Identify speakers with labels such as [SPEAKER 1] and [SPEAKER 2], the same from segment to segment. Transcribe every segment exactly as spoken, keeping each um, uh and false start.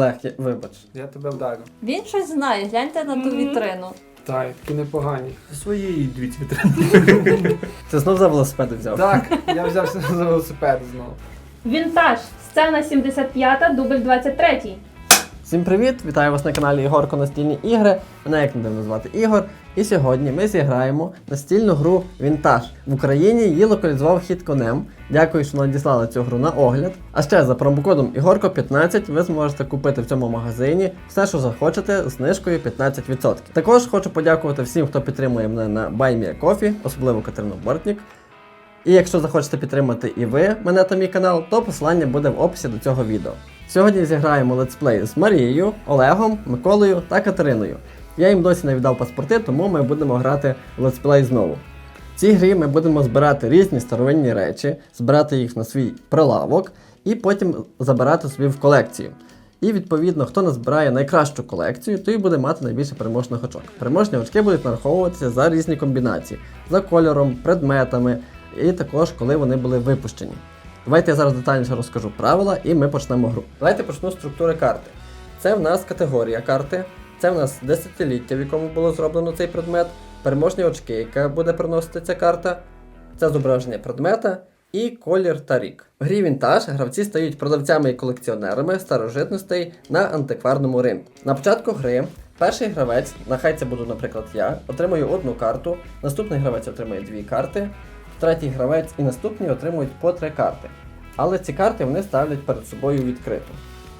[SPEAKER 1] Олег, я- вибач.
[SPEAKER 2] Я тебе вдарю.
[SPEAKER 3] Він щось знає, гляньте на ту вітрину.
[SPEAKER 2] Так, такі непогані.
[SPEAKER 4] Своєї дві вітрини.
[SPEAKER 1] Ти знов за велосипеди взяв?
[SPEAKER 2] Так, я взявся за велосипед знову.
[SPEAKER 5] Вінтаж. Сцена сімдесят п'ята, дубль двадцять третій.
[SPEAKER 1] Всім привіт! Вітаю вас на каналі Ігорко Настільні ігри. Мене як не дивно звати Ігор. І сьогодні ми зіграємо настільну гру Вінтаж. В Україні її локалізував хід конем. Дякую, що надіслали цю гру на огляд. А ще за промокодом Ігорко п'ятнадцять ви зможете купити в цьому магазині все, що захочете, з знижкою п'ятнадцять відсотків. Також хочу подякувати всім, хто підтримує мене на BuyMeACoffee, особливо Катерину Бортнік. І якщо захочете підтримати і ви мене та мій канал, то посилання буде в описі до цього відео. Сьогодні зіграємо летсплей з Марією, Олегом, Миколою та Катериною. Я їм досі не віддав паспорти, тому ми будемо грати в летсплей знову. В цій грі ми будемо збирати різні старовинні речі, збирати їх на свій прилавок і потім забирати собі в колекцію. І відповідно, хто назбирає найкращу колекцію, той буде мати найбільше переможних очок. Переможні очки будуть нараховуватися за різні комбінації, за кольором, предметами і також коли вони були випущені. Давайте я зараз детальніше розкажу правила і ми почнемо гру. Давайте почну з структури карти. Це в нас категорія карти, це в нас десятиліття, в якому було зроблено цей предмет, переможні очки, яка буде приносити ця карта, це зображення предмета і колір та рік. В грі Вінтаж гравці стають продавцями і колекціонерами старожитностей на антикварному ринку. На початку гри перший гравець, нехай це буду, наприклад, я, отримує одну карту, наступний гравець отримує дві карти, третій гравець і наступні отримують по три карти. Але ці карти вони ставлять перед собою відкрито.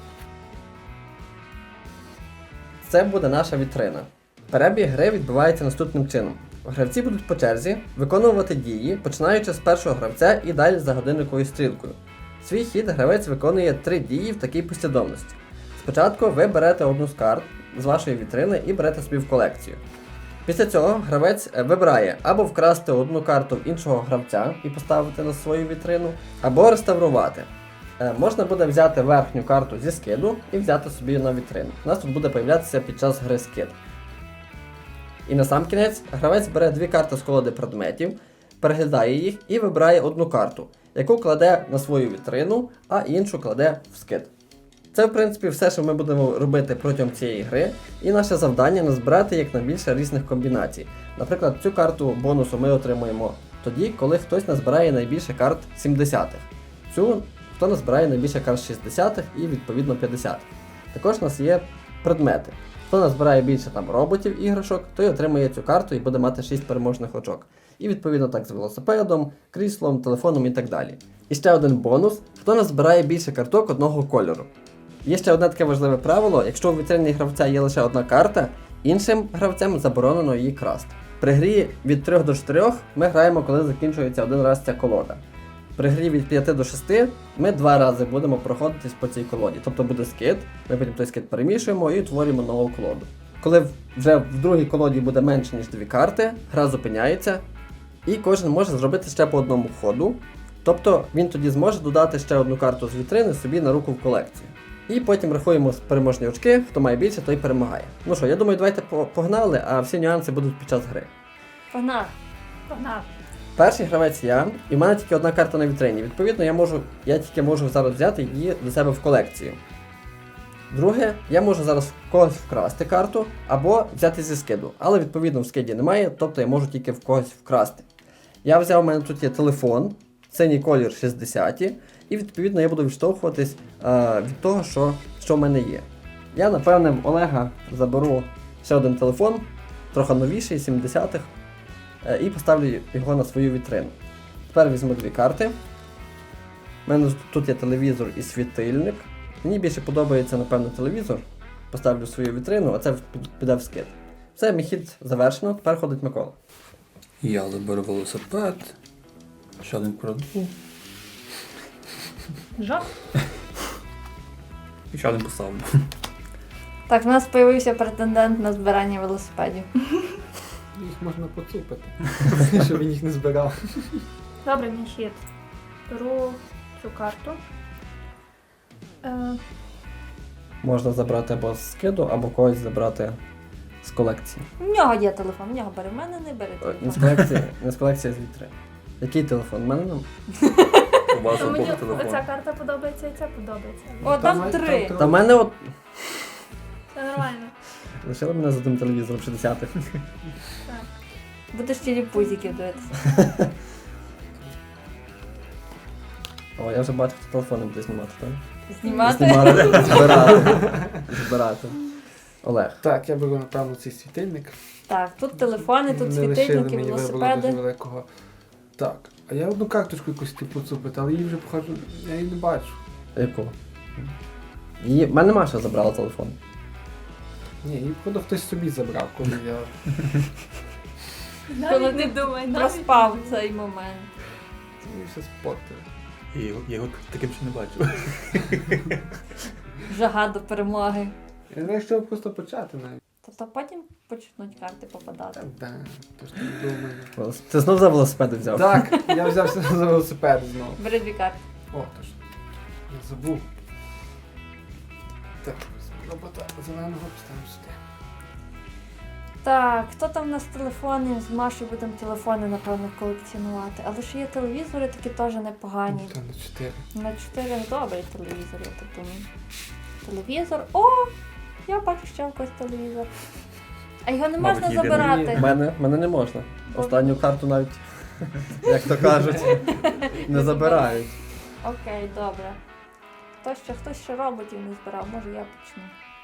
[SPEAKER 1] Це буде наша вітрина. Перебіг гри відбувається наступним чином. Гравці будуть по черзі виконувати дії, починаючи з першого гравця і далі за годинниковою стрілкою. Свій хід гравець виконує три дії в такій послідовності. Спочатку ви берете одну з карт з вашої вітрини і берете собі в колекцію. Після цього гравець вибирає або вкрасти одну карту в іншого гравця і поставити на свою вітрину, або реставрувати. Е, можна буде взяти верхню карту зі скиду і взяти собі на вітрину. У нас тут буде появлятися під час гри скид. І на сам кінець гравець бере дві карти з колоди предметів, переглядає їх і вибирає одну карту, яку кладе на свою вітрину, а іншу кладе в скид. Це, в принципі, все, що ми будемо робити протягом цієї гри, і наше завдання назбирати якнайбільше різних комбінацій. Наприклад, цю карту бонусу ми отримуємо тоді, коли хтось назбирає найбільше карт сімдесятих. Цю, хто назбирає найбільше карт шістдесятих і, відповідно, п'ятдесятих. Також у нас є предмети. Хто назбирає більше там роботів, іграшок, той отримує цю карту і буде мати шість переможних очок. І, відповідно, так з велосипедом, кріслом, телефоном і так далі. І ще один бонус. Хто назбирає більше карток одного кольору. Є ще одне таке важливе правило, якщо у вітрині гравця є лише одна карта, іншим гравцям заборонено її красти. При грі від трьох до чотирьох ми граємо, коли закінчується один раз ця колода. При грі від п'яти до шести ми два рази будемо проходитись по цій колоді. Тобто буде скид, ми потім той скид перемішуємо і утворюємо нову колоду. Коли вже в другій колоді буде менше, ніж дві карти, гра зупиняється і кожен може зробити ще по одному ходу. Тобто він тоді зможе додати ще одну карту з вітрини собі на руку в колекцію. І потім рахуємо переможні очки, хто має більше, той перемагає. Ну що, я думаю, давайте погнали, а всі нюанси будуть під час гри.
[SPEAKER 3] Погнали.
[SPEAKER 5] Погнав.
[SPEAKER 1] Перший гравець я, і в мене тільки одна карта на вітрині. Відповідно, я можу, я тільки можу зараз взяти її до себе в колекцію. Друге, я можу зараз в когось вкрасти карту, або взяти зі скиду. Але, відповідно, в скиді немає, тобто я можу тільки в когось вкрасти. Я взяв, у мене тут є телефон, синій колір шістдесят, і, відповідно, я буду відштовхуватись е, від того, що, що в мене є. Я, напевне, в Олега заберу ще один телефон, трохи новіший, сімдесятих, е, і поставлю його на свою вітрину. Тепер візьму дві карти. У мене тут є телевізор і світильник. Мені більше подобається, напевно, телевізор. Поставлю свою вітрину, а це піде в скид. Все, мій хід завершено, тепер ходить Микола.
[SPEAKER 4] Я заберу велосипед. Ще один краду.
[SPEAKER 5] Жах.
[SPEAKER 4] І ще один поставлю.
[SPEAKER 3] Так, в нас з'явився претендент на збирання велосипедів.
[SPEAKER 2] Їх можна поцупити, щоб він їх не збирав.
[SPEAKER 5] Добре, мій хід. Беру цю карту. Е,
[SPEAKER 1] Можна забрати або з скиду, або когось забрати з колекції.
[SPEAKER 3] У нього є телефон, в нього бери, в мене не бери
[SPEAKER 1] Е, Не з
[SPEAKER 3] телефон.
[SPEAKER 1] колекції, не з колекції, а з вітрини. Який телефон? У мене нам?
[SPEAKER 4] Вас
[SPEAKER 5] То мені
[SPEAKER 4] обох телефон.
[SPEAKER 5] оця карта подобається і ця подобається.
[SPEAKER 3] О, там
[SPEAKER 2] Там-
[SPEAKER 3] три.
[SPEAKER 2] там
[SPEAKER 1] Та в мене от
[SPEAKER 5] Це нормально.
[SPEAKER 1] лишили мене за тим телевізором шістдесятих.
[SPEAKER 3] Будеш телепузиків дивитися.
[SPEAKER 1] О, я вже бачу, хто телефони буде знімати, так?
[SPEAKER 3] Знімати.
[SPEAKER 1] Знімати, збирати. Збирати. Олег.
[SPEAKER 2] Так, я беру, напевно, цей світильник.
[SPEAKER 3] Так, тут телефони, тут
[SPEAKER 2] Не лишили
[SPEAKER 3] світильники,
[SPEAKER 2] мені вибору дуже
[SPEAKER 3] велосипеди.
[SPEAKER 2] великого. Так, а я одну карточку якусь типу цупити, але її вже похожу, я її не бачу.
[SPEAKER 1] Яку? Її... В мене Маша забрала телефон.
[SPEAKER 2] Ні, її походу хтось собі забрав, коли я.
[SPEAKER 5] Навіть не думай, навіть
[SPEAKER 3] Проспав
[SPEAKER 5] не думай.
[SPEAKER 3] цей момент.
[SPEAKER 2] Мені все спортив.
[SPEAKER 4] Я його, я його таким ще не бачив.
[SPEAKER 3] Жага до перемоги.
[SPEAKER 2] Я знаю, що просто почати навіть.
[SPEAKER 3] Тобто потім почнуть карти попадати.
[SPEAKER 2] Так, да, то ж не думаю.
[SPEAKER 1] Ти знов за велосипеди взяв?
[SPEAKER 2] Так, я взявся за велосипед знову.
[SPEAKER 3] Бери дві карти.
[SPEAKER 2] О, то ж. Я забув. Так, робота зеленого поставимо сюди.
[SPEAKER 3] Так, хто там у нас телефони? З Машою будемо телефони, напевно, колекціонувати. Але ще є телевізори, такі теж непогані.
[SPEAKER 2] Та на чотири.
[SPEAKER 3] На чотири добрий телевізор, я так думаю. Телевізор. О! Я бачу ще в когось телевізор. А його не
[SPEAKER 4] Мабуть,
[SPEAKER 3] можна
[SPEAKER 4] єдиний.
[SPEAKER 3] забирати.
[SPEAKER 1] Мене, мене не можна. Останню карту навіть, як то кажуть, не забирають.
[SPEAKER 3] Окей, добре. Хто ще, хтось ще роботів не збирав, може я почну.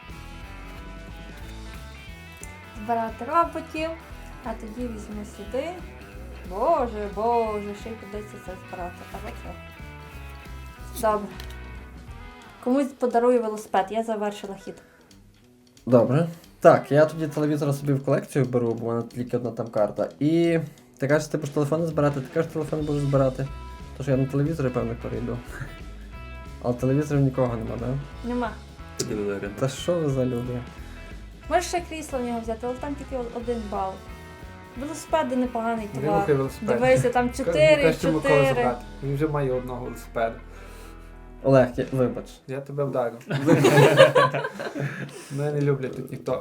[SPEAKER 3] Збирати роботів, а тоді візьму сюди. Боже, боже, ще й придеться це збирати. А оце. Добре. Комусь подарую велосипед, я завершила хід.
[SPEAKER 1] Добре. Так, я тоді телевізор собі в колекцію беру, бо в мене тільки одна там карта. І ти кажеш, ти будеш телефони збирати, ти кажеш, телефони будеш збирати. Тож я на телевізорі, певно, перейду. Але телевізорів нікого нема, так? Да?
[SPEAKER 3] Нема.
[SPEAKER 4] Телевізор.
[SPEAKER 1] Та що ви за люди?
[SPEAKER 3] Можеш ще крісло в нього взяти, але там тільки один бал. Велосипеди непоганий
[SPEAKER 2] Не
[SPEAKER 3] товар.
[SPEAKER 2] рухай велосипед.
[SPEAKER 3] Дивися, там чотири,
[SPEAKER 2] Кажи, Микола
[SPEAKER 3] чотири.
[SPEAKER 2] забрати. Він вже має одного велосипеда.
[SPEAKER 1] Олег, я... вибач.
[SPEAKER 2] Я тебе вдарив. Мене не люблять тут ніхто.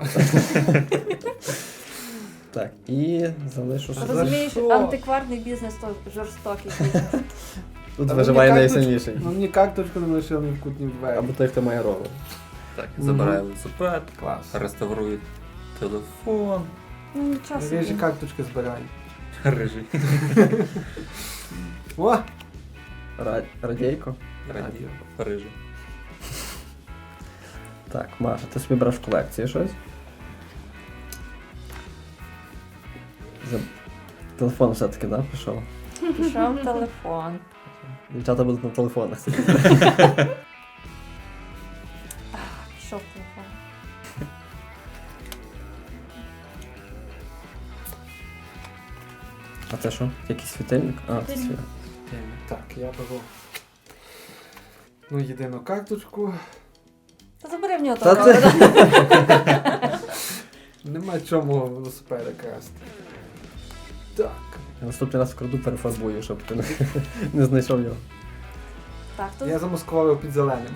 [SPEAKER 1] Так, і залишу
[SPEAKER 2] За
[SPEAKER 1] собі.
[SPEAKER 3] Розумієш,
[SPEAKER 2] що?
[SPEAKER 3] антикварний бізнес то жорстокий бізнес.
[SPEAKER 1] Тут
[SPEAKER 2] Та
[SPEAKER 1] виживає
[SPEAKER 2] мені карточ-
[SPEAKER 1] найсильніший.
[SPEAKER 2] Ну мені карточку не лишив ні в кут, ні в двері.
[SPEAKER 1] Або той, хто має ровер.
[SPEAKER 4] Так, я забираю велосипед,
[SPEAKER 2] Клас.
[SPEAKER 4] реставрую телефон.
[SPEAKER 3] Ну нічого
[SPEAKER 2] Я ж
[SPEAKER 3] собі.
[SPEAKER 2] карточки збираю.
[SPEAKER 4] Рижий.
[SPEAKER 2] О!
[SPEAKER 1] Ра... Радійко.
[SPEAKER 4] Радіо. Рижий.
[SPEAKER 1] Так, Маша, ти собі береш в колекції щось? За... Телефон все-таки, да, пішов?
[SPEAKER 3] Пішов телефон.
[SPEAKER 1] Дівчата будуть на телефонах.
[SPEAKER 3] Пішов телефон.
[SPEAKER 1] А це що? Якийсь світильник? А, це світ.
[SPEAKER 2] Так, я беру. Ну, єдину карточку.
[SPEAKER 3] Та забери в нього
[SPEAKER 1] Та
[SPEAKER 3] того
[SPEAKER 1] ти-
[SPEAKER 3] ровера.
[SPEAKER 2] Нема чому велосипеда красти. Так.
[SPEAKER 1] Я наступний раз вкраду перефарбую, щоб ти не, не знайшов його.
[SPEAKER 3] Так, тут
[SPEAKER 2] Я замаскував під зеленим.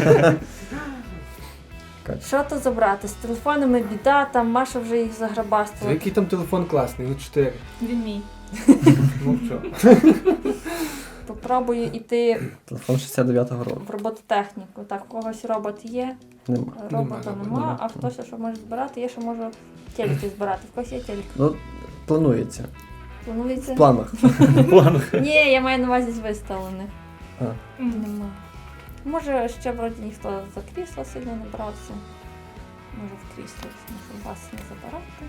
[SPEAKER 3] що тут забрати? З телефонами біда, там Маша вже їх заграбастила.
[SPEAKER 2] Який там телефон класний, ну чотири.
[SPEAKER 5] Він мій.
[SPEAKER 2] Ну що?
[SPEAKER 3] Попробую йти
[SPEAKER 1] Телефон шістдесят дев'ятого року.
[SPEAKER 3] в робототехніку. Так, у когось робот є,
[SPEAKER 1] Нема.
[SPEAKER 3] робота
[SPEAKER 2] Нема,
[SPEAKER 3] нема,
[SPEAKER 1] нема.
[SPEAKER 3] а хтось що може збирати, я ще можу телеки збирати. В когось є телек.
[SPEAKER 1] Ну, планується.
[SPEAKER 3] Планується?
[SPEAKER 1] В планах.
[SPEAKER 3] Ні, я маю на увазі з виставлених.
[SPEAKER 1] А.
[SPEAKER 3] Нема. Може, ще вроді ніхто за крісло сильно не брався. Може в крісло може вас не забирати.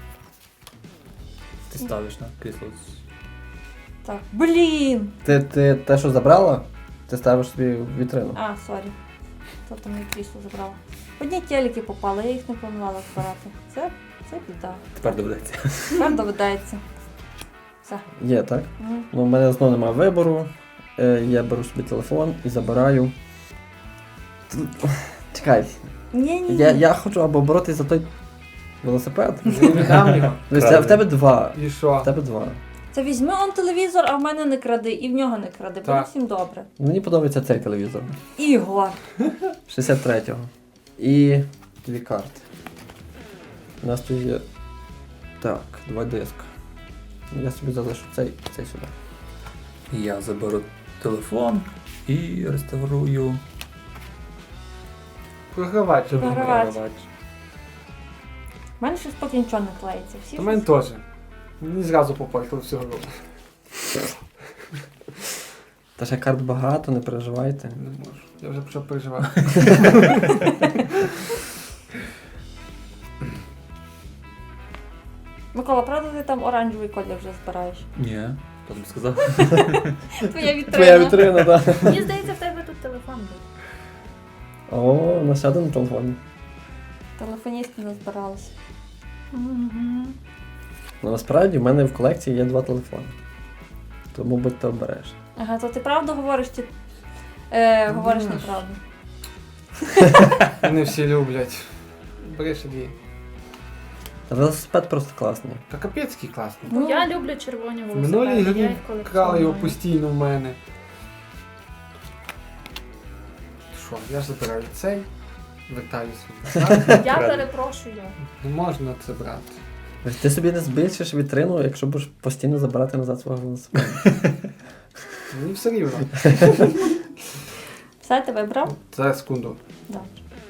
[SPEAKER 4] Ти ставиш на крісло.
[SPEAKER 3] Так, блін!
[SPEAKER 1] Ти, ти те, що забрала, ти ставиш собі в вітрину.
[SPEAKER 3] А, сорі. Хто там моє крісло забрав? Одні телеки попали, я їх не планувала збирати. Це, це біда.
[SPEAKER 4] Тепер доведеться.
[SPEAKER 3] Тепер доведеться. Все.
[SPEAKER 1] Є, так?
[SPEAKER 3] Мгм.
[SPEAKER 1] Ну, в мене знову немає вибору. Е, я беру собі телефон і забираю. Т- Чекай,
[SPEAKER 3] Ні-ні.
[SPEAKER 1] я, я хочу або боротися за той велосипед.
[SPEAKER 2] Я не віддам його.
[SPEAKER 1] Тобто це- в тебе два.
[SPEAKER 2] І
[SPEAKER 1] В
[SPEAKER 2] що?
[SPEAKER 1] тебе два.
[SPEAKER 3] Це візьми он телевізор, а в мене не кради, і в нього не кради. Буде
[SPEAKER 2] Так.
[SPEAKER 3] всім добре.
[SPEAKER 1] Мені подобається цей телевізор.
[SPEAKER 3] Ігор.
[SPEAKER 1] шістдесят третього. І дві карти. У нас тут є. Так, два диска. Я собі залишу цей, цей сюди.
[SPEAKER 4] Я заберу телефон і реставрую
[SPEAKER 2] Програвач.
[SPEAKER 3] Програвач. У мене щось поки нічого не клеїться. Всі
[SPEAKER 2] У мене
[SPEAKER 3] щось-
[SPEAKER 2] теж. Мені зразу попортили всього року.
[SPEAKER 1] Та ще карт багато, не переживайте.
[SPEAKER 2] Не можу. Я вже почав переживати.
[SPEAKER 3] Микола, правда ти там оранжевий колір вже збираєш?
[SPEAKER 4] Ні, хто тобі сказав?
[SPEAKER 3] Твоя вітрина.
[SPEAKER 1] Твоя вітрина, так.
[SPEAKER 5] Мені здається, в тебе тут телефон був.
[SPEAKER 1] О, у нас ще один телефон.
[SPEAKER 3] Телефоністи назбиралися.
[SPEAKER 1] Ну, насправді в мене в колекції є два телефони. Тому будьте обережні.
[SPEAKER 3] Ага, то ти правду говориш чи е, говориш
[SPEAKER 2] Думаєш?
[SPEAKER 3] неправду?
[SPEAKER 2] Вони всі люблять. Бери ще дві.
[SPEAKER 1] Та велосипед просто класний.
[SPEAKER 2] Та капецький класний.
[SPEAKER 3] Ну,
[SPEAKER 5] Я люблю червоні
[SPEAKER 2] В
[SPEAKER 5] велосипеди.
[SPEAKER 2] минулій
[SPEAKER 5] я
[SPEAKER 2] грі
[SPEAKER 5] їх
[SPEAKER 2] крали його
[SPEAKER 5] колекціоную.
[SPEAKER 2] постійно в мене. Що, я ж забираю цей, вертаю свій назад.
[SPEAKER 5] Я перепрошую.
[SPEAKER 2] Не можна це брати.
[SPEAKER 1] Ти собі не збільшиш вітрину, якщо будеш постійно забирати назад свого велосипеда.
[SPEAKER 2] Мені все рівно.
[SPEAKER 3] Все, ти вибрав?
[SPEAKER 2] Зараз секунду.
[SPEAKER 3] Добре.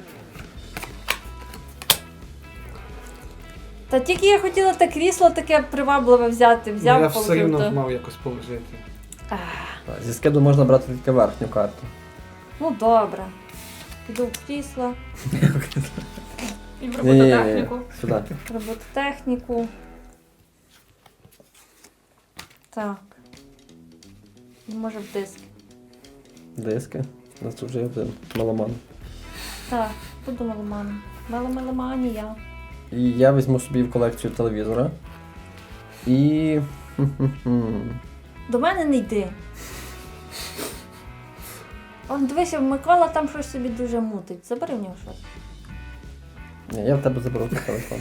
[SPEAKER 3] Та тільки я хотіла те крісло таке привабливе взяти, взяв,
[SPEAKER 2] Ну, я все рівно
[SPEAKER 3] положив. то-
[SPEAKER 2] мав якось положити.
[SPEAKER 3] Ах,
[SPEAKER 1] Зі скиду можна брати тільки верхню карту.
[SPEAKER 3] ну добре. Піду в крісло,
[SPEAKER 5] І в
[SPEAKER 1] Ні-ні-ні,
[SPEAKER 5] робототехніку.
[SPEAKER 1] сюди.
[SPEAKER 3] робототехніку. Так. І може в диск.
[SPEAKER 1] Диски. У нас тут вже є один меломан.
[SPEAKER 3] Так, буду меломаном. Меломеломанія.
[SPEAKER 1] І я візьму собі в колекцію телевізора. І. хм-хм-хм.
[SPEAKER 3] До мене не йди. Он дивися, Микола там щось собі дуже мутить. Забери в нього щось.
[SPEAKER 1] Ні, я в тебе заберу цей телефон.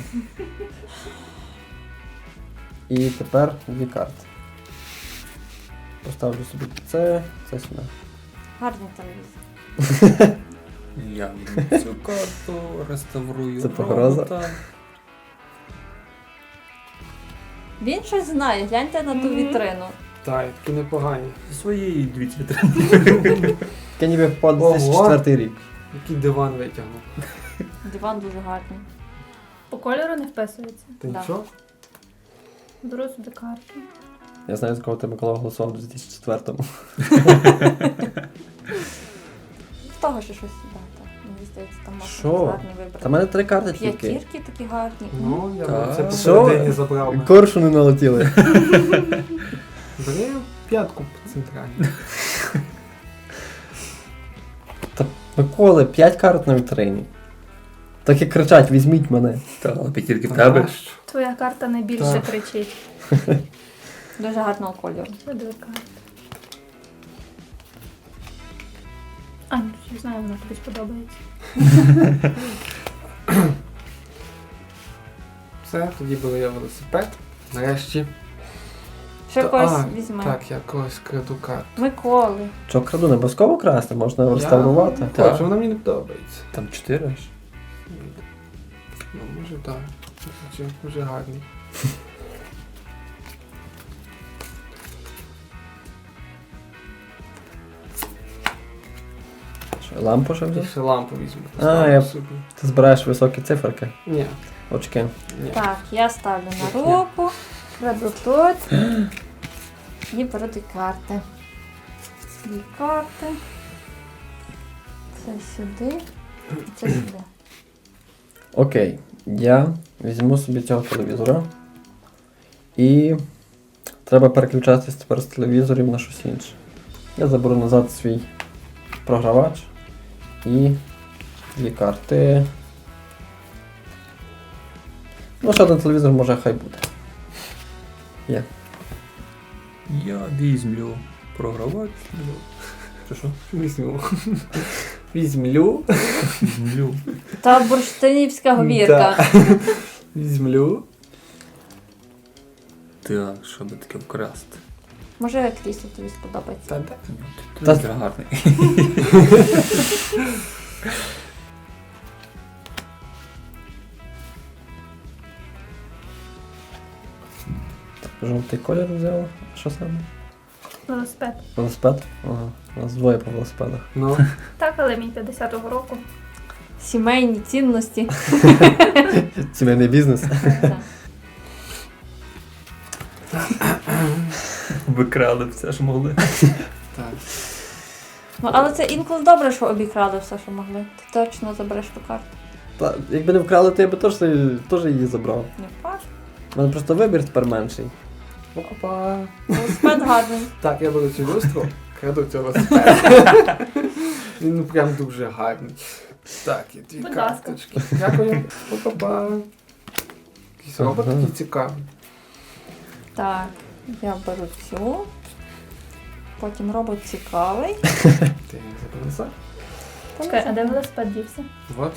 [SPEAKER 1] І тепер дві карти. Поставлю собі це, це сюди.
[SPEAKER 3] Гарний телевізор.
[SPEAKER 4] Я візьму цю карту, реставрую
[SPEAKER 1] Це погроза?
[SPEAKER 4] робота.
[SPEAKER 3] Він щось знає, гляньте на ту
[SPEAKER 5] Мгм.
[SPEAKER 3] вітрину.
[SPEAKER 2] Так, такі непогані.
[SPEAKER 4] Зі своєї дві вітрини.
[SPEAKER 1] Таке ніби по
[SPEAKER 2] Ого.
[SPEAKER 1] дві тисячі четвертий рік.
[SPEAKER 2] Який диван витягнув.
[SPEAKER 3] Диван дуже гарний.
[SPEAKER 5] По кольору не вписується.
[SPEAKER 2] Та
[SPEAKER 3] Да.
[SPEAKER 2] нічого?
[SPEAKER 5] Беру сюди карту.
[SPEAKER 1] Я знаю, з кого ти Микола голосував у дві тисячі четвертому.
[SPEAKER 3] З того ще щось сюди. Так. Мені здається, там можна
[SPEAKER 1] Що?
[SPEAKER 3] щось гарне вибрати.
[SPEAKER 1] Та в мене три карти тільки.
[SPEAKER 3] П'ятірки такі гарні.
[SPEAKER 2] Ну, я
[SPEAKER 4] Так.
[SPEAKER 2] б це
[SPEAKER 1] Що?
[SPEAKER 2] посередині забрав.
[SPEAKER 1] Коршуни налетіли.
[SPEAKER 2] Бери п'ятку по центральній.
[SPEAKER 1] Та Миколи, п'ять карт на вітрині. Так і кричать, візьміть мене.
[SPEAKER 4] Та, але п'ятірки в
[SPEAKER 2] Та
[SPEAKER 4] тебе.
[SPEAKER 2] нащо?
[SPEAKER 5] Твоя карта найбільше
[SPEAKER 2] Так.
[SPEAKER 5] кричить.
[SPEAKER 3] Дуже гарного кольору.
[SPEAKER 5] Дві карти. А, ну, я знаю, вона тобі сподобається.
[SPEAKER 2] Все, тоді беру я велосипед. Нарешті.
[SPEAKER 3] Ще
[SPEAKER 2] Та-
[SPEAKER 3] когось
[SPEAKER 2] а,
[SPEAKER 3] візьме.
[SPEAKER 2] Так, я когось краду карту.
[SPEAKER 3] Миколи.
[SPEAKER 1] Що краду, не обов'язково красти, можна
[SPEAKER 2] Я
[SPEAKER 1] реставрувати.
[SPEAKER 2] не
[SPEAKER 4] Так.
[SPEAKER 2] хочу, вона мені не подобається.
[SPEAKER 4] Там чотири аж.
[SPEAKER 2] Ну, може так. Дуже, дуже гарний.
[SPEAKER 1] Що, лампу ще
[SPEAKER 2] Я
[SPEAKER 1] взяв?
[SPEAKER 2] ще лампу візьму.
[SPEAKER 1] А,
[SPEAKER 2] поставлю
[SPEAKER 1] я-
[SPEAKER 2] собі.
[SPEAKER 1] Ти збираєш високі циферки,
[SPEAKER 2] Ні,
[SPEAKER 1] очки.
[SPEAKER 2] ні.
[SPEAKER 3] Так, я ставлю на руку, кладу тут і беру дві карти. Дві карти. Це сюди і це сюди.
[SPEAKER 1] Окей, я візьму собі цього телевізора. І треба переключатись тепер з телевізорів на щось інше. Я заберу назад свій програвач і дві карти. Ну, ще один телевізор може хай буде. Є.
[SPEAKER 4] Я візьмлю програвач. Чи що?
[SPEAKER 2] Візьму. Візьмлю.
[SPEAKER 4] Візьмлю.
[SPEAKER 3] Та бурштинівська говірка.
[SPEAKER 2] Візьмлю.
[SPEAKER 4] Так, що би таке вкрасти?
[SPEAKER 3] Може крісло тобі сподобається.
[SPEAKER 2] Та де?
[SPEAKER 4] Ти
[SPEAKER 1] Та-
[SPEAKER 4] дуже гарний.
[SPEAKER 1] Жовтий колір взяла. Що саме?
[SPEAKER 5] Велосипед.
[SPEAKER 1] Велосипед? Ага. У нас двоє по велосипедах.
[SPEAKER 2] Ну,
[SPEAKER 5] Так, але мій п'ятдесятого року.
[SPEAKER 3] Сімейні цінності.
[SPEAKER 1] Сімейний бізнес.
[SPEAKER 3] Так.
[SPEAKER 4] Викрали все, що могли.
[SPEAKER 2] так.
[SPEAKER 3] Ну, але це інколи добре, що обікрали все, що могли. Ти точно забереш ту карту.
[SPEAKER 1] Та, якби не вкрали, то я би теж, теж її забрав.
[SPEAKER 3] Не факт.
[SPEAKER 1] У мене просто вибір тепер менший.
[SPEAKER 2] Опа.
[SPEAKER 3] Велосипед гарний.
[SPEAKER 2] Так, я беру цю люстру, краду цього велосипеда. Він ну, прям дуже гарний. Так, є дві
[SPEAKER 5] Будь ласка.
[SPEAKER 2] карточки. Дякую. Опа-па. Якийсь робот
[SPEAKER 1] Ага.
[SPEAKER 2] такий цікавий.
[SPEAKER 3] Так, я беру цю. Потім робот цікавий.
[SPEAKER 2] Ти не забув назад?
[SPEAKER 3] Та
[SPEAKER 5] Чекай, а
[SPEAKER 3] не
[SPEAKER 5] де
[SPEAKER 3] знаю.
[SPEAKER 5] велосипед дівся?
[SPEAKER 2] Вот.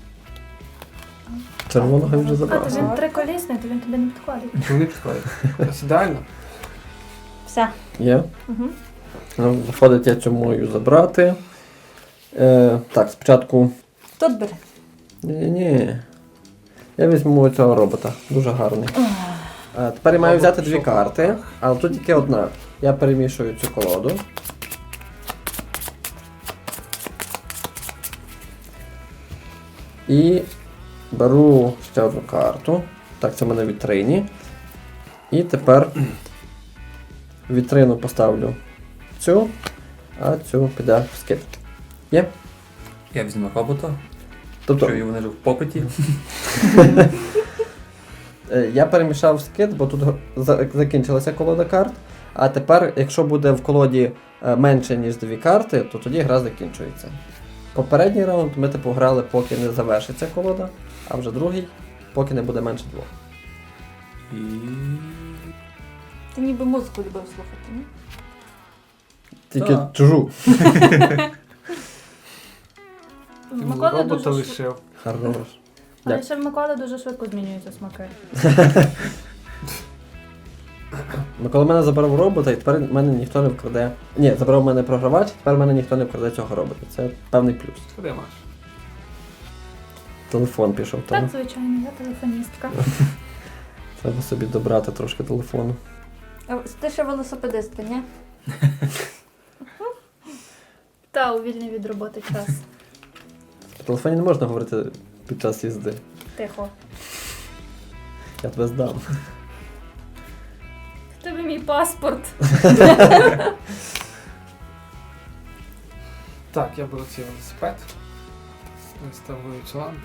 [SPEAKER 1] Червоного я вже
[SPEAKER 5] А, то
[SPEAKER 1] забрав.
[SPEAKER 5] він триколісний, то він тобі не підходить.
[SPEAKER 2] Чому не підходить? Ось ідеально.
[SPEAKER 3] Все.
[SPEAKER 1] Є.
[SPEAKER 3] Угу.
[SPEAKER 1] Ну, виходить, я цю мою забрати. Е, так, спочатку.
[SPEAKER 3] Тут бери.
[SPEAKER 1] Ні-ні. Я візьму цього робота. Дуже гарний. Е, тепер я маю
[SPEAKER 2] Робот
[SPEAKER 1] взяти дві
[SPEAKER 2] в
[SPEAKER 1] карти,
[SPEAKER 2] шоколадах.
[SPEAKER 1] але тут тільки одна. Я перемішую цю колоду. І беру ще одну карту. Так, це в мене в вітрині. І тепер в вітрину поставлю цю, а цю піде в скид. Є?
[SPEAKER 4] Я візьму робота,
[SPEAKER 1] Тобто,
[SPEAKER 4] що вони ж в попиті.
[SPEAKER 1] е, я перемішав скид, бо тут за- закінчилася колода карт. А тепер, якщо буде в колоді е, менше, ніж дві карти, то тоді гра закінчується. Попередній раунд ми типу грали, поки не завершиться колода, а вже другий, поки не буде менше двох.
[SPEAKER 4] І...
[SPEAKER 3] Ти ніби музику любив слухати, ні?
[SPEAKER 1] Тільки
[SPEAKER 4] Так.
[SPEAKER 1] чужу.
[SPEAKER 5] В
[SPEAKER 2] Ти
[SPEAKER 5] Миколи
[SPEAKER 2] робота
[SPEAKER 5] дуже швидко.
[SPEAKER 2] лишив.
[SPEAKER 1] Хорош.
[SPEAKER 5] Але
[SPEAKER 1] Дякую.
[SPEAKER 5] ще в Миколи дуже швидко змінюються смаки.
[SPEAKER 1] Микола мене забрав робота, і тепер мене ніхто не вкраде. Ні, забрав мене програвач, тепер мене ніхто не вкраде цього робота. Це певний плюс.
[SPEAKER 2] Що ти маєш?
[SPEAKER 1] Телефон пішов
[SPEAKER 5] Так,
[SPEAKER 1] там.
[SPEAKER 5] звичайно, я телефоністка.
[SPEAKER 1] Треба собі добрати трошки телефону.
[SPEAKER 3] А ти ще велосипедистка, ні?
[SPEAKER 5] Та, у вільний від роботи час.
[SPEAKER 1] В телефоні не можна говорити під час їзди.
[SPEAKER 5] Тихо.
[SPEAKER 1] Я тебе здам.
[SPEAKER 5] В тебе мій паспорт.
[SPEAKER 2] Так, я беру цей велосипед. Виставлю цю лампу.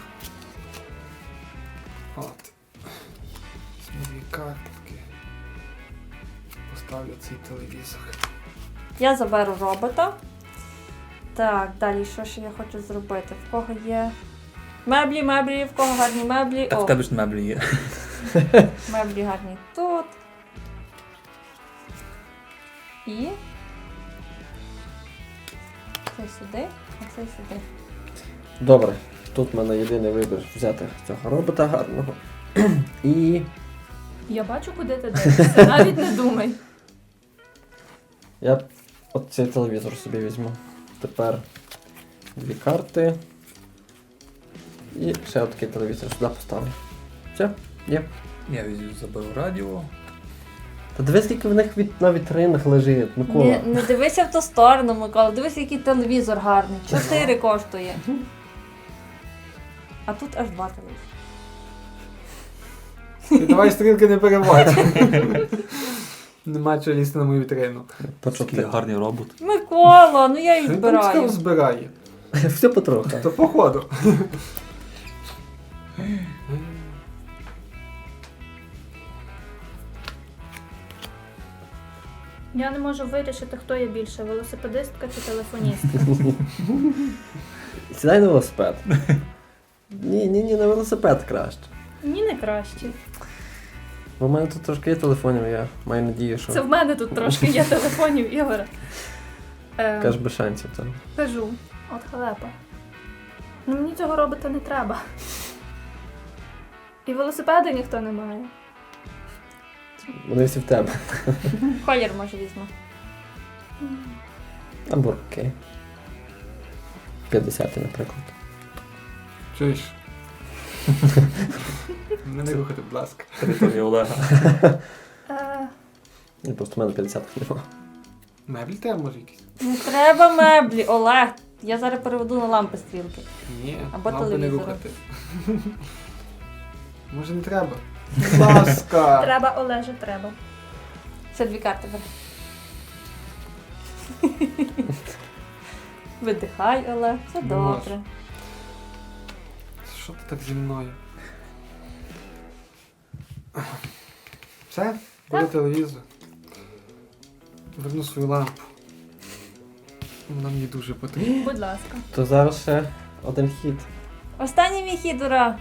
[SPEAKER 2] От. Візьму дві картки. Поставлю цей телевізор.
[SPEAKER 3] Я заберу робота. Так, далі що ще я хочу зробити? В кого є меблі, меблі, в кого гарні меблі.
[SPEAKER 4] Так в
[SPEAKER 3] О,
[SPEAKER 4] тебе ж меблі є.
[SPEAKER 3] меблі гарні тут. І цей сюди, а цей сюди.
[SPEAKER 1] Добре, тут в мене єдиний вибір взяти цього робота гарного. І
[SPEAKER 5] Я бачу, куди ти дивишся. Навіть не думай.
[SPEAKER 1] я от цей телевізор собі візьму. Тепер дві карти. І ще отакий телевізор сюди поставлю. Все, є.
[SPEAKER 4] Я візьму, заберу радіо.
[SPEAKER 1] Та дивись, скільки в них від, на вітринах лежить, Микола.
[SPEAKER 3] Не, не дивися в ту сторону, Микола. Дивись, який телевізор гарний. Чотири коштує. А тут аж два телевізори.
[SPEAKER 2] Ти давай стрілки не переводь. Нема чого лізти на мою вітрину.
[SPEAKER 1] По
[SPEAKER 4] Такий
[SPEAKER 1] чотири.
[SPEAKER 4] гарний робот.
[SPEAKER 3] Микола, ну я їх
[SPEAKER 2] Він там сказав,
[SPEAKER 3] збираю.
[SPEAKER 2] збирає.
[SPEAKER 1] Все потроху.
[SPEAKER 2] То походу.
[SPEAKER 5] Я не можу вирішити, хто є більше, велосипедистка чи телефоністка.
[SPEAKER 1] Сідай на велосипед. Ні, ні, ні, на велосипед краще.
[SPEAKER 5] Ні, не краще.
[SPEAKER 1] Бо в мене тут трошки є телефонів, я маю надію, що
[SPEAKER 5] Це в мене тут трошки є телефонів, Ігоре. Е,
[SPEAKER 1] кажеш без шансів там.
[SPEAKER 5] Кажу, от халепа. Ну мені цього робота не треба. І велосипеди ніхто не має.
[SPEAKER 1] Вони всі в тебе.
[SPEAKER 3] Колір може візьму.
[SPEAKER 1] Або окей. п'ятдесят, наприклад.
[SPEAKER 2] Чуєш? Мене не рухати, будь ласка.
[SPEAKER 4] Територія Олега.
[SPEAKER 5] Е,
[SPEAKER 1] І просто в мене п'ятдесят немає.
[SPEAKER 2] Меблі треба може якісь?
[SPEAKER 3] Не треба меблі, Олег. Я зараз переведу на лампи стрілки.
[SPEAKER 2] Ні,
[SPEAKER 3] Або
[SPEAKER 2] лампи не
[SPEAKER 3] телевізору.
[SPEAKER 2] рухати. Може не треба? Будь ласка.
[SPEAKER 5] Треба, Олеже, треба.
[SPEAKER 3] Ще дві карти бери. Видихай, Олег, все
[SPEAKER 2] Не
[SPEAKER 3] добре.
[SPEAKER 2] можу. Що ти так зі мною? Все? Бери телевізор. Верну свою лампу. Вона мені дуже потрібна.
[SPEAKER 5] Будь ласка.
[SPEAKER 1] То зараз ще один хід.
[SPEAKER 3] Останній мій хід, ура!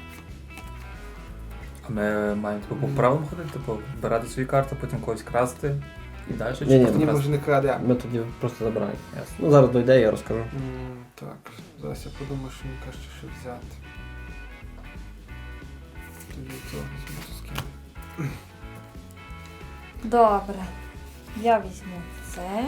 [SPEAKER 4] А ми маємо типу, по правилам ходити, типу, збирати свої карти, потім когось красти і далі чи
[SPEAKER 1] Ні-ні,
[SPEAKER 4] просто
[SPEAKER 2] Ні,
[SPEAKER 4] красти?
[SPEAKER 2] може не краде.
[SPEAKER 1] Ми тоді просто забираємо.
[SPEAKER 4] Ясно.
[SPEAKER 1] Ну зараз дойде, я розкажу.
[SPEAKER 2] М, Так, зараз я подумаю, що мені краще що взяти. Тоді цього візьму з ким.
[SPEAKER 3] Добре. Я візьму це.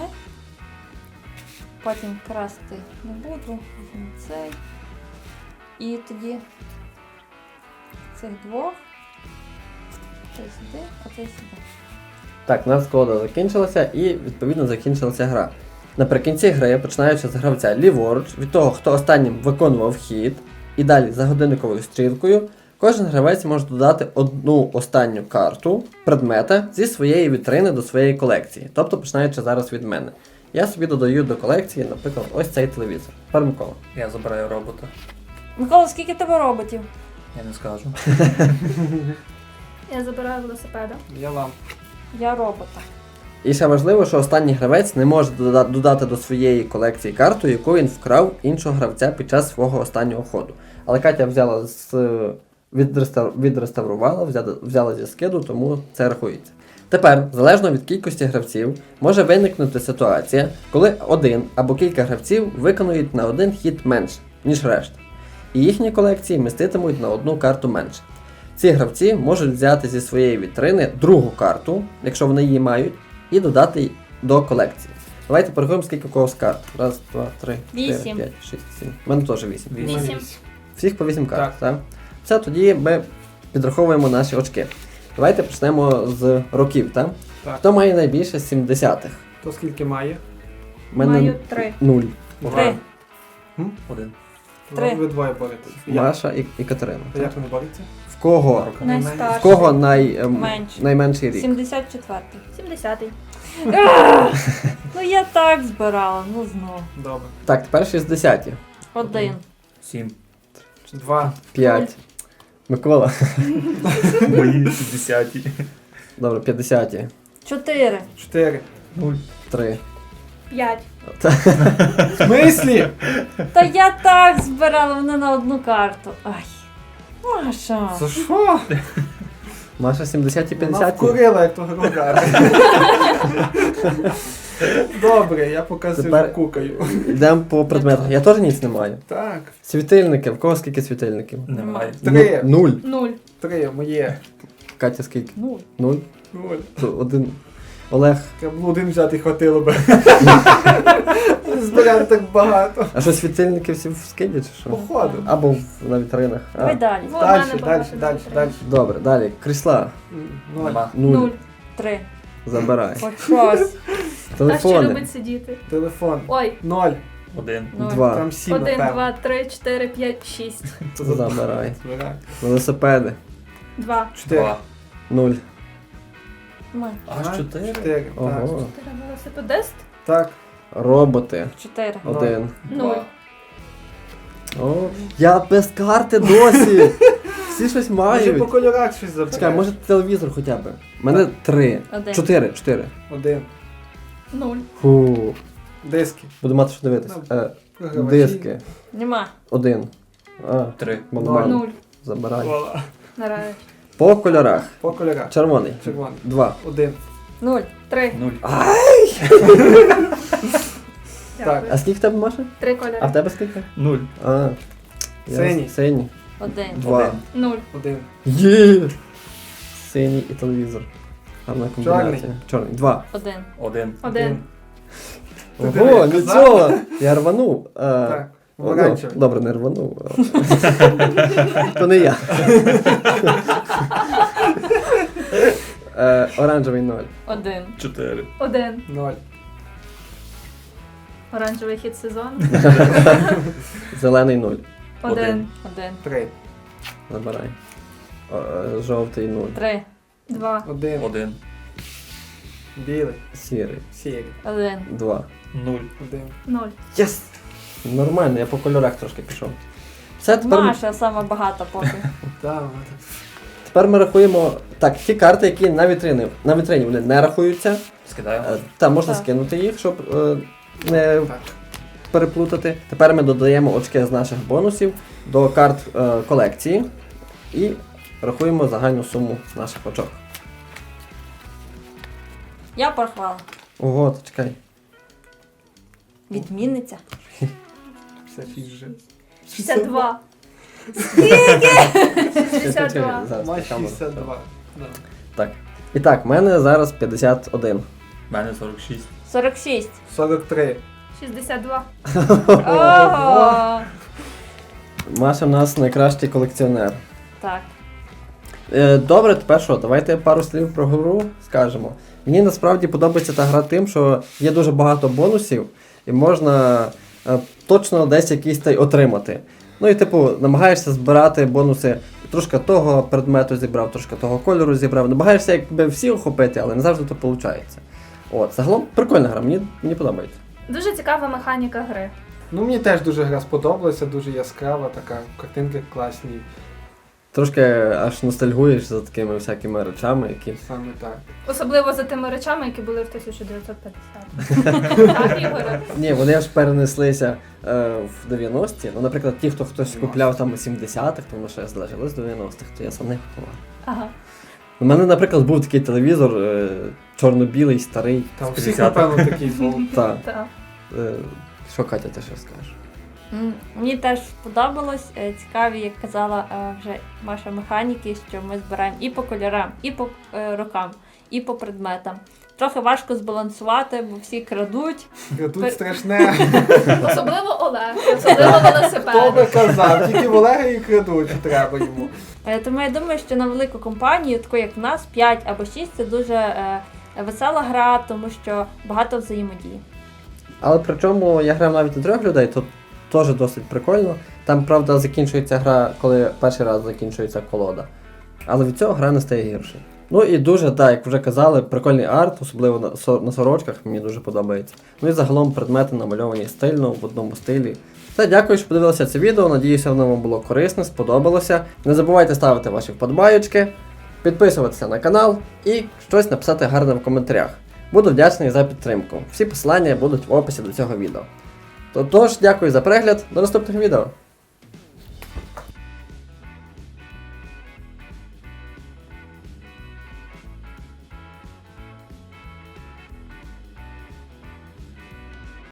[SPEAKER 3] Потім красти не буду. Візьму цей. І тоді цих двох. Цей сюди, а цей сюди.
[SPEAKER 1] Так, у нас колода закінчилася і відповідно закінчилася гра. Наприкінці гри, починаючи з гравця ліворуч, від того, хто останнім виконував хід, і далі за годинниковою стрілкою, кожен гравець може додати одну останню карту предмета зі своєї вітрини до своєї колекції. Тобто починаючи зараз від мене. Я собі додаю до колекції, наприклад, ось цей телевізор. Тепер Микола.
[SPEAKER 4] Я забираю робота.
[SPEAKER 3] Микола, скільки в тебе роботів?
[SPEAKER 4] Я не скажу.
[SPEAKER 5] Я забираю велосипеда.
[SPEAKER 2] Я лампу.
[SPEAKER 3] Я робота.
[SPEAKER 1] І ще важливо, що останній гравець не може дода- додати до своєї колекції карту, яку він вкрав іншого гравця під час свого останнього ходу. Але Катя взяла з відреставр... відреставрувала, взяла, взяла зі скиду, тому це рахується. Тепер, залежно від кількості гравців, може виникнути ситуація, коли один або кілька гравців виконують на один хід менше, ніж решта. І їхні колекції міститимуть на одну карту менше. Ці гравці можуть взяти зі своєї вітрини другу карту, якщо вони її мають, і додати й до колекції. Давайте порахуємо, скільки у когось карт. Раз, два, три, чотири,
[SPEAKER 3] Вісім.
[SPEAKER 1] п'ять, шість, сім. У мене теж вісім.
[SPEAKER 5] Вісім.
[SPEAKER 1] Всіх по вісім карт,
[SPEAKER 2] Так.
[SPEAKER 1] так? Все, тоді ми підраховуємо наші очки. Давайте почнемо з років, так?
[SPEAKER 2] Так.
[SPEAKER 1] Хто має найбільше сімдесятих?
[SPEAKER 2] То скільки має?
[SPEAKER 1] У мене
[SPEAKER 5] Маю три.
[SPEAKER 1] нуль.
[SPEAKER 3] Три.
[SPEAKER 4] Один.
[SPEAKER 3] Три.
[SPEAKER 2] Ви двоє боретесь. Я.
[SPEAKER 1] Маша і, і Катерина.
[SPEAKER 2] А як вони борються?
[SPEAKER 1] В кого?
[SPEAKER 2] В
[SPEAKER 5] Найстарший.
[SPEAKER 1] В кого най, ем,
[SPEAKER 3] Менший.
[SPEAKER 1] найменший рік?
[SPEAKER 3] сімдесят четвертий.
[SPEAKER 5] Сімдесятий.
[SPEAKER 3] Ну я так збирала, ну знову.
[SPEAKER 2] Добре.
[SPEAKER 1] Так, тепер шістдесяті.
[SPEAKER 3] Один.
[SPEAKER 4] Сім.
[SPEAKER 2] Два.
[SPEAKER 1] п'ять. Микола.
[SPEAKER 4] Мої шістдесяті.
[SPEAKER 1] Добре, п'ятдесяті.
[SPEAKER 3] Чотири.
[SPEAKER 2] Чотири.
[SPEAKER 4] Нуль.
[SPEAKER 1] три.
[SPEAKER 5] П'ять.
[SPEAKER 2] В смислі?
[SPEAKER 3] Та я так збирала, вони на одну карту. Ай. Маша.
[SPEAKER 2] За що?
[SPEAKER 1] Маша сімдесяті,
[SPEAKER 2] Вона
[SPEAKER 1] п'ятдесяті.
[SPEAKER 2] вкурила, як того рогара. Добре, я поки сижу
[SPEAKER 1] Тепер-
[SPEAKER 2] кукаю.
[SPEAKER 1] Йдемо по предметах. Я теж ніч не маю.
[SPEAKER 2] Так.
[SPEAKER 1] Світильники. В кого скільки світильників?
[SPEAKER 4] Немає.
[SPEAKER 2] Три.
[SPEAKER 1] Ну, нуль.
[SPEAKER 5] Нуль.
[SPEAKER 2] Три, моє.
[SPEAKER 1] Катя скільки?
[SPEAKER 3] Ну.
[SPEAKER 1] Нуль.
[SPEAKER 2] Нуль.
[SPEAKER 1] То один. Олег.
[SPEAKER 2] Треба було один взяти, хватило би. Зберемо так багато.
[SPEAKER 1] А що світильники всі в скиді чи що?
[SPEAKER 2] Походу.
[SPEAKER 1] Або в, на вітринах. А.
[SPEAKER 3] Давай далі.
[SPEAKER 5] Во, в
[SPEAKER 2] Далі,
[SPEAKER 5] мене
[SPEAKER 2] далі,
[SPEAKER 5] багато
[SPEAKER 2] далі,
[SPEAKER 5] вітрин.
[SPEAKER 2] далі.
[SPEAKER 1] Добре, далі. Крісла.
[SPEAKER 2] Ноль.
[SPEAKER 4] Нема.
[SPEAKER 1] Нуль.
[SPEAKER 5] Нуль.
[SPEAKER 3] Три.
[SPEAKER 1] Забирай.
[SPEAKER 3] Хоч щось.
[SPEAKER 5] А ще
[SPEAKER 1] Телефони.
[SPEAKER 5] любить сидіти.
[SPEAKER 2] Телефон.
[SPEAKER 5] Ой.
[SPEAKER 2] Ноль.
[SPEAKER 4] Один.
[SPEAKER 3] Нуль.
[SPEAKER 1] Два.
[SPEAKER 2] Там сім,
[SPEAKER 5] Один,
[SPEAKER 2] напевно.
[SPEAKER 5] два, три, чотири, п'ять, шість.
[SPEAKER 1] Забирай.
[SPEAKER 2] Збирай.
[SPEAKER 1] Велосипеди.
[SPEAKER 5] Два.
[SPEAKER 2] Чотири.
[SPEAKER 4] Два.
[SPEAKER 1] Нуль.
[SPEAKER 3] Ми.
[SPEAKER 4] Аж чотири?
[SPEAKER 2] Чотири. Так.
[SPEAKER 1] Ого.
[SPEAKER 5] Чотири велосипедист.
[SPEAKER 2] Так.
[SPEAKER 1] Роботи.
[SPEAKER 3] Чотири.
[SPEAKER 1] Один.
[SPEAKER 5] Нуль.
[SPEAKER 1] О, я без карти досі. Всі щось
[SPEAKER 2] Може по
[SPEAKER 1] мають.
[SPEAKER 2] кольорах щось
[SPEAKER 1] Чекай,
[SPEAKER 2] забирає.
[SPEAKER 1] може телевізор хоча б. У мене три.
[SPEAKER 3] Один.
[SPEAKER 1] Чотири. Чотири.
[SPEAKER 2] Один.
[SPEAKER 5] Нуль.
[SPEAKER 1] Фу.
[SPEAKER 2] Диски.
[SPEAKER 1] Буду мати що дивитися. Е,
[SPEAKER 2] Програвачі.
[SPEAKER 1] диски.
[SPEAKER 3] Нема.
[SPEAKER 1] Один. А,
[SPEAKER 4] Три.
[SPEAKER 1] нормально.
[SPEAKER 5] Нуль.
[SPEAKER 1] Забирай.
[SPEAKER 2] Вуаля.
[SPEAKER 5] Наразі.
[SPEAKER 1] По кольорах.
[SPEAKER 2] По кольорах.
[SPEAKER 1] Червоний.
[SPEAKER 2] Червоний.
[SPEAKER 1] Два.
[SPEAKER 2] Один.
[SPEAKER 3] Нуль.
[SPEAKER 5] Три.
[SPEAKER 4] Нуль.
[SPEAKER 5] Дякую.
[SPEAKER 1] А скільки в тебе, Маша?
[SPEAKER 5] Три кольори.
[SPEAKER 1] А в тебе скільки?
[SPEAKER 4] Нуль.
[SPEAKER 1] А. ясно.
[SPEAKER 2] Синій.
[SPEAKER 1] Синій.
[SPEAKER 3] Один.
[SPEAKER 1] Два.
[SPEAKER 4] Один.
[SPEAKER 5] Нуль.
[SPEAKER 2] Один.
[SPEAKER 1] Є! Синій і телевізор. Гарна комбінація.
[SPEAKER 2] Чорний.
[SPEAKER 1] Чорний. Два.
[SPEAKER 3] Один.
[SPEAKER 4] Один.
[SPEAKER 5] Один.
[SPEAKER 2] Ти диви,
[SPEAKER 1] Ого,
[SPEAKER 2] я
[SPEAKER 1] нічого! Я рванув. А,
[SPEAKER 2] Так.
[SPEAKER 1] ну,
[SPEAKER 2] Помаранчевий.
[SPEAKER 1] добре, не рванув. а. То не я. Е, Оранжевий ноль.
[SPEAKER 3] Один.
[SPEAKER 4] Чотири.
[SPEAKER 5] Один.
[SPEAKER 2] Ноль.
[SPEAKER 5] Оранжевий хід сезону.
[SPEAKER 1] Зелений нуль.
[SPEAKER 5] Один.
[SPEAKER 3] Один.
[SPEAKER 2] Три.
[SPEAKER 1] Забирай. О, е, Жовтий нуль.
[SPEAKER 3] Три.
[SPEAKER 5] Два.
[SPEAKER 2] Один.
[SPEAKER 4] Один.
[SPEAKER 2] Білий.
[SPEAKER 1] Сірий.
[SPEAKER 2] Сірий.
[SPEAKER 3] Один.
[SPEAKER 1] Два.
[SPEAKER 4] Нуль.
[SPEAKER 2] Один.
[SPEAKER 5] Ноль.
[SPEAKER 1] Єс! Нормально, я по кольорах трошки пішов. Все, тепер, ми-
[SPEAKER 3] Маша сама багата поки.
[SPEAKER 2] Так.
[SPEAKER 1] тепер ми рахуємо. Так, ті карти, які на вітрині, на вітрині вони не рахуються.
[SPEAKER 4] Скидаємо.
[SPEAKER 1] Е, Та можна
[SPEAKER 3] Так.
[SPEAKER 1] скинути їх, щоб е, не
[SPEAKER 2] Так.
[SPEAKER 1] переплутати. Тепер ми додаємо очки з наших бонусів до карт е, колекції і рахуємо загальну суму наших очок.
[SPEAKER 3] Я порахувала.
[SPEAKER 1] Ого, то чекай.
[SPEAKER 3] Відмінниця.
[SPEAKER 2] п'ятдесят шість вже.
[SPEAKER 5] шістдесят два. шістдесят два.
[SPEAKER 1] Зараз
[SPEAKER 2] Має
[SPEAKER 1] на камеру.
[SPEAKER 2] шістдесят два. Да.
[SPEAKER 1] Так. І так, в мене зараз п'ятдесят один.
[SPEAKER 4] У мене сорок шість.
[SPEAKER 3] Сорок шість.
[SPEAKER 2] сорок три.
[SPEAKER 5] шістдесят два.
[SPEAKER 3] Ого!
[SPEAKER 1] Маша в нас найкращий колекціонер.
[SPEAKER 3] Так.
[SPEAKER 1] Е, Добре, тепер що, давайте пару слів про гру скажемо. Мені насправді подобається та гра тим, що є дуже багато бонусів, і можна е, точно десь якийсь та й отримати. Ну і типу, намагаєшся збирати бонуси, трошки того предмету зібрав, трошки того кольору зібрав. Намагаєшся якби всі охопити, але не завжди то виходить. От, загалом прикольна гра, мені, мені подобається.
[SPEAKER 5] Дуже цікава механіка гри.
[SPEAKER 2] Ну мені теж дуже гра сподобалася, дуже яскрава, така, картинки класні.
[SPEAKER 1] Трошки аж ностальгуєш за такими всякими речами, які.
[SPEAKER 2] Саме так.
[SPEAKER 5] Особливо за тими речами, які були в тисяча дев'ятсот п'ятдесятому. Так, Ігоре?
[SPEAKER 1] Ні, вони аж перенеслися е, в дев'яності. Ну, наприклад, ті, хто хтось купляв там у сімдесятих, тому що залежало з дев'яностих, то я сам не купував.
[SPEAKER 3] Ага.
[SPEAKER 1] У мене, наприклад, був такий телевізор е, чорно-білий, старий.
[SPEAKER 2] Там
[SPEAKER 4] З
[SPEAKER 2] всіх,
[SPEAKER 4] п'ятдесятих.
[SPEAKER 2] напевно, такий був.
[SPEAKER 1] Та,
[SPEAKER 5] Так.
[SPEAKER 1] е, що Катя, ти що скажеш?
[SPEAKER 3] М, Мені теж сподобалось. Е, Цікаві, як казала е, вже Маша, механіки, що ми збираємо і по кольорам, і по е, рокам, і по предметам. Трохи важко збалансувати, бо всі крадуть.
[SPEAKER 2] Тут страшне.
[SPEAKER 5] Особливо Олег, особливо
[SPEAKER 2] Хто би
[SPEAKER 5] велосипед.
[SPEAKER 2] казав, тільки в Олега і крадуть, треба йому.
[SPEAKER 3] Е, Тому я думаю, що на велику компанію, таку як в нас, п'ять або шість, це дуже е, весела гра, тому що багато взаємодії.
[SPEAKER 1] Але причому я грав навіть на трьох людей, то теж досить прикольно. Там, правда, закінчується гра, коли перший раз закінчується колода. Але від цього гра не стає гірше. Ну і дуже, так, як вже казали, прикольний арт, особливо на, со- на сорочках, мені дуже подобається. Ну і загалом предмети намальовані стильно, в одному стилі. Все, дякую, що подивилися це відео. Надіюся, воно вам було корисне, сподобалося. Не забувайте ставити ваші вподобайочки, підписуватися на канал і щось написати гарне в коментарях. Буду вдячний за підтримку. Всі посилання будуть в описі до цього відео. Тож, дякую за перегляд, до наступних відео.